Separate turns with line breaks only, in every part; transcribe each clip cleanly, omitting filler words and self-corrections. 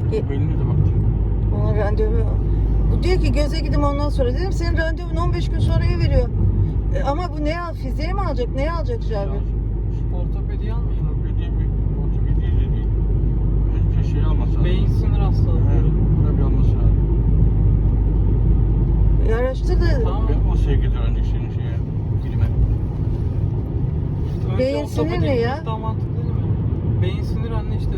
Belli de baktım.
Ona randevu. Bu diyor ki göze gideyim ondan sonra. Dedim senin randevun 15 gün sonraya veriyor. Ama bu ne al? Fiziğe mi alacak? Neye alacak Cabir?
Ortopediyi almayayım.
Ortopedi de değil. Önce şey alması lazım.
Beyin sinir hastalıkları.
Buna bir alması lazım.
Araştır da
Tamam.
O sevgidir ancak senin şeye. Dilime.
Önce
beyin sinir
ortopediye
ne ya?
gitmek daha mantıklı değil mi? Beyin sinir anne işte.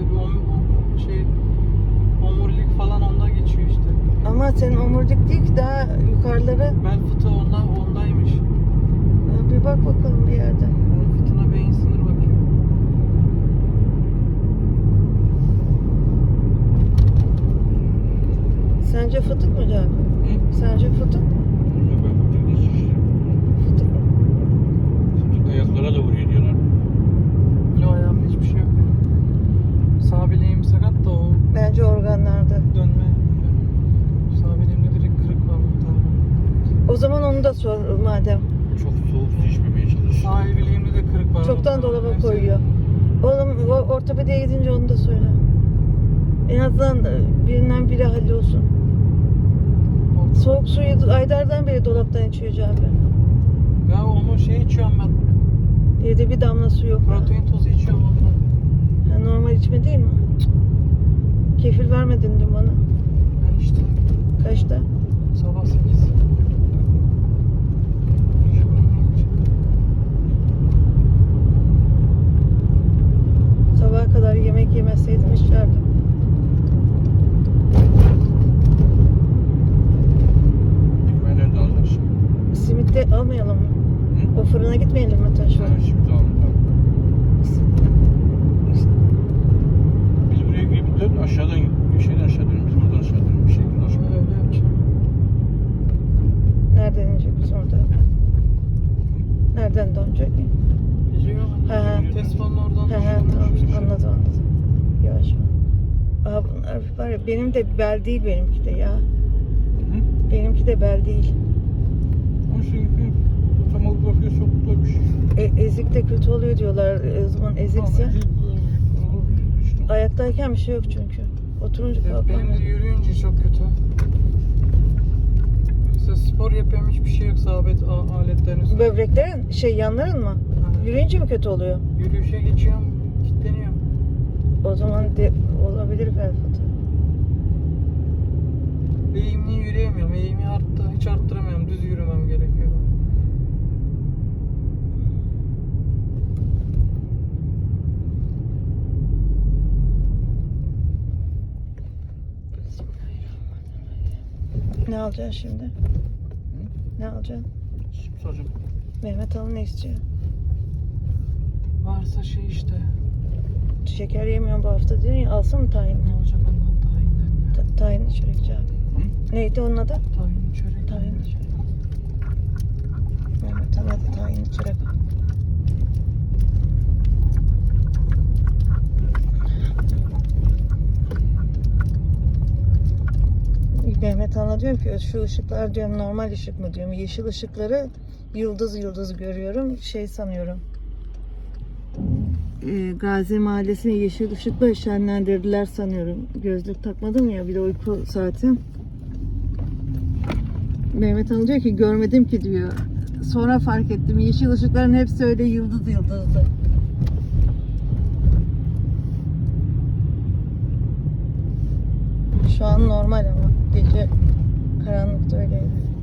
Omurilik falan onda geçiyor işte.
ama senin omurdik değil ki daha yukarıları.
Bel fıtığı ondaymış.
Bir bak bakalım bir yerde.
Bel fıtığına beyin sinir bakıyor.
Sence fıtık mı Cabir?
Hı?
Sence fıtık mı?
Bilmiyorum ben fıtık nasıl şişirim.
Fıtık mı?
Fıtık ayaklara da vuruyor diyorlar.
Yok ayağımda hiçbir şey yok. Sağ bileğim sakat da o
Bence organlarda.
dönme. Sağ bileğimde direkt kırık var muhtemelen.
O zaman onu da sor madem.
Çok soğuk su içmemeye çalış.
Sağ el bileğimde de kırık var.
Çoktan
muhtemelen.
dolaba
Neyse.
koyuyor. Oğlum ortopediye gidince onu da söyle. En azından birinden biri hallolsun. Soğuk suyu aylardan beri dolaptan içiyor Cabir.
Ya onu içiyorum ben.
Evde bir damla su yok.
Protein tozu içiyorum ondan.
Ha, normal içme değil mi? Kefir vermedin dün bana.
Ben içtim.
Kaçta?
Sabah 8.
Sabaha kadar yemek yemeseydim içerdim.
Ben nerede alacaksın?
Simit de almayalım mı?
Hı?
O fırına gitmeyelim mi taşla?
Ben şimdi aldım. Biz buraya girip dön aşağıdan aşağı dön. Biz buradan aşağı dön. Bir şey nasıl?
Öyle yapacağım.
Nereden inecek biz orada? Nereden dönecek?
Biliyor
He.
musun? Tesla'nın oradan
He he tamam anladım. Yavaş ol. Aa, bunlar var ya benim de bel değil benimki de ya.
Hı?
Benimki de bel değil.
Ama şey tam olarak bir çok da bir şey.
Ezik de kötü oluyor diyorlar. O zaman ezikse.
Ama olabilir işte.
Ayaktayken bir şey yok çünkü. Oturunca
Benim
kalkamıyor.
de yürüyünce çok kötü. Mesela spor yapıyorum hiçbir şey yok sabit aletlerin üstünde.
Böbreklerin yanların mı?
Aha.
Yürüyünce mi kötü oluyor?
Yürüyüşe geçiyorum, kilitleniyorum.
O zaman olabilir bel fıtığı.
Eğimli yürüyemiyorum. Eğimi hiç arttıramıyorum. Düz yürümem gerekiyor.
Ne alacaksın şimdi? Ne alacaksın?
Şimdi soracağım.
Mehmet Ali ne istiyor?
Varsa işte.
Şeker yemiyorum bu hafta dedin ya, alsın mı tahin?
Ne olacak ondan tahinden ya?
Tahin çörek Cabir. Neydi onun adı?
Tahin çörek.
Tahin çörek. Mehmet Ali hadi tahin çörek. Mehmet Han'a diyorum ki şu ışıklar diyorum normal ışık mı diyorum. Yeşil ışıkları yıldız yıldız görüyorum. Şey sanıyorum. Gazi Mahallesi'ni yeşil ışıkla şenlendirdiler sanıyorum. Gözlük takmadım ya bir de uyku saati. Mehmet Han diyor ki görmedim ki diyor. Sonra fark ettim. Yeşil ışıkların hepsi öyle yıldız yıldızdı. Şu an normal ama gece karanlıkta öyleydi.